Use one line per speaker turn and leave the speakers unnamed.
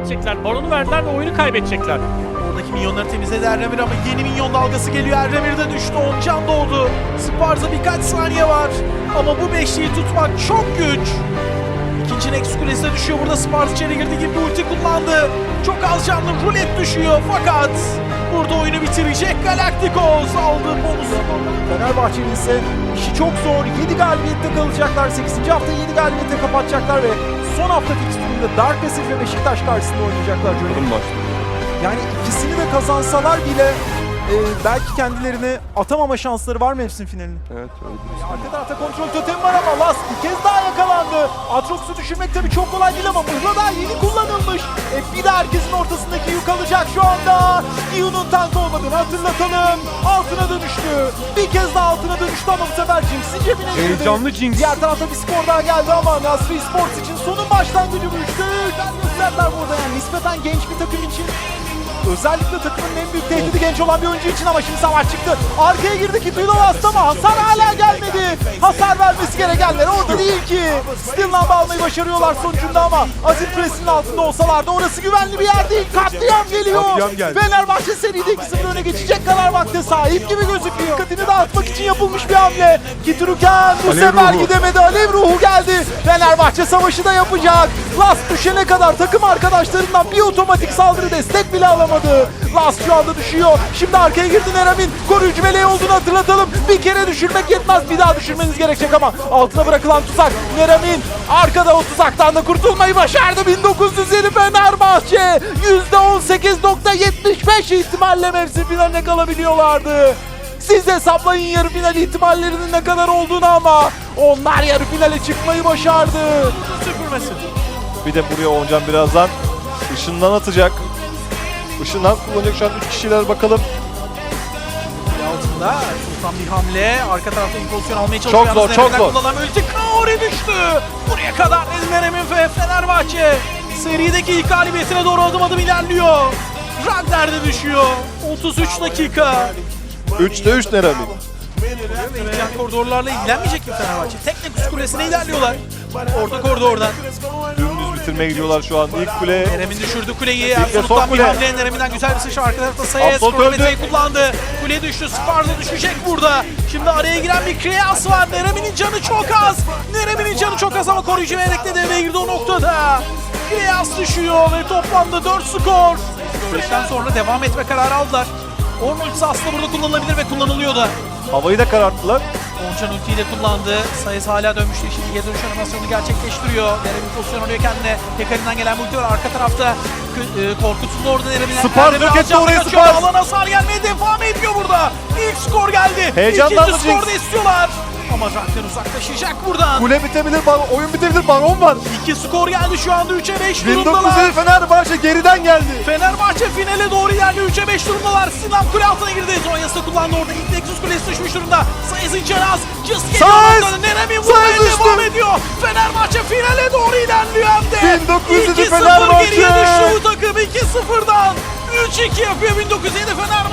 kaybedecekler. Baron'u verdiler ve oyunu kaybedecekler.
Oradaki minyonları temizledi Erdemir ama yeni minyon dalgası geliyor. Erdemir de düştü. 10 can doğdu. Sparta birkaç saniye var. Ama bu beşliği tutmak çok güç. İkinci Nexus kulesine düşüyor. Burada Sparta içeri girdi gibi bir ulti kullandı. Çok az canlı rulet düşüyor fakat burada oyunu bitirecek Galacticos aldığı bonusu.
Fenerbahçe'nin ise işi çok zor. 7 galibiyette kalacaklar. 8. hafta 7 galibiyette kapatacaklar ve son hafta fikstüründe Dark Passage ve Beşiktaş karşısında oynayacaklar. Yani ikisini de kazansalar bile belki kendilerini atamama şansları var mevsim finalini.
Evet öyle.
Arka tarafta kontrol totemi var ama Last bir kez daha yakalandı. Atrox'u düşürmek tabii çok kolay değil ama mıhla daha yeni kullanılmış. Bir de herkesin ortasındaki yük alacak şu anda. Ion'un tank olmadığını hatırlatalım. Altına dönüştü. Bir kez daha altına dönüştü ama bu sefer Jinx'in cebine girdi.
Heyecanlı Jinx.
Diğer tarafta bir skor daha geldi ama Nasri Sports için sonun başlangıcı bu üçte. Gösterdiler burada yani nispeten genç bir takım için. Özellikle takımın en büyük tehdidi genç olan bir oyuncu için ama şimdi savaş çıktı. Arkaya girdi ki Last ama hasar hala gelmedi. Hasar vermesi gerekenler orada değil ki. Still'dan almayı başarıyorlar sonucunda ama Azir Press'in altında olsalardı orası güvenli bir yer değil. Katliam geliyor.
Katliam geldi.
Fenerbahçe seride 2-0 öne geçecek kadar vakte sahip gibi gözüküyor. Dikkatini dağıtmak için yapılmış bir hamle. Kituruken bu
Alev
sefer
ruhu.
gidemedi. Alev ruhu geldi. Fenerbahçe savaşı da yapacak. Last düşene kadar takım arkadaşlarından bir otomatik saldırı destek bile alamadı. Last şu anda düşüyor. Şimdi arkaya girdi Neramin. Koruyucu meleği olduğunu hatırlatalım. Bir kere düşürmek yetmez. Bir daha düşürmeniz gerekecek ama altına bırakılan tuzak. Neramin arkada o tuzaktan da kurtulmayı başardı. 1907 Fenerbahçe. %18.75 ihtimalle mevsim finaline kalabiliyorlardı. Siz hesaplayın yarı final ihtimallerinin ne kadar olduğunu ama onlar yarı finale çıkmayı başardı.
Süpürmesi.
Bir de buraya Oncan birazdan ışından atacak. Işından kullanacak şu an 3 kişiler bakalım.
Altında Sultan bir hamle. Arka tarafta bir pozisyon almaya çalışıyor.
Çok zor,
Yalnız
çok
Nerem'den
zor.
Kullanılan ulti Kaori düştü. Buraya kadar Nerem'in ve Fenerbahçe serideki ilk galibiyetine doğru adım ilerliyor. Ragnar da düşüyor. 33 dakika.
3'te 3 Neramin.
Ve yan koridorlarla ilgilenmeyecek mi Fenerbahçe? Teknik kulesine ilerliyorlar. Orta koridordan.
Dümdüz bitirmeye gidiyorlar şu an. İlk kule.
Nerem'in düşürdü kuleyi.
son
Absolut'tan bir
kule.
hamle. Nerem'inden güzel bir sıçra. Arka tarafta Sayes
Absolut
kronometreyi
öldü.
kullandı. Kule düştü. Sparta düşecek burada. Şimdi araya giren bir Kriyas var. Nerem'in canı çok az. Nerem'in canı çok az ama koruyucu melek de devreye girdi o noktada. Kriyas düşüyor ve toplamda 4 skor. Süreçten sonra devam etme kararı aldılar. Orn ultisi aslında burada kullanılabilir ve kullanılıyor da.
Havayı da kararttılar.
Oncan ultiyi de kullandı. Sayıs hala dönmüştü. Şimdi geri dönüş animasyonunu gerçekleştiriyor. Nerem'in pozisyon alıyor kendine. Hekari'nden gelen ulti var. Arka tarafta korkutuldu orada Nerem'in.
Spars dök etti oraya, Spars.
Alan hasar gelmeye devam ediyor burada. İlk skor geldi.
Heyecanlandı
İkinci skor da
Jinx.
istiyorlar. Ama Rakten uzaklaşacak buradan.
Kule bitebilir, oyun bitebilir. Baron var.
2 skor geldi şu anda 3'e 5 durumdalar.
1907 Fenerbahçe geriden geldi.
Fenerbahçe finale doğru ilerliyor. 3'e 5 durumdalar. Sinan kule altına girdi. Zonya'sı kullandı orada. İlk Nexus kulesi düşmüş durumda. Sayıs'ın canı az. Just geliyor.
Sayıs!
Nerem'in vurmaya
Sayıs
devam
düştü.
ediyor. Fenerbahçe finale doğru ilerliyor hem de.
1907
2-0
Fenerbahçe.
geriye düştü bu takım 2-0'dan. 3-2 yapıyor 1907 Fenerbahçe.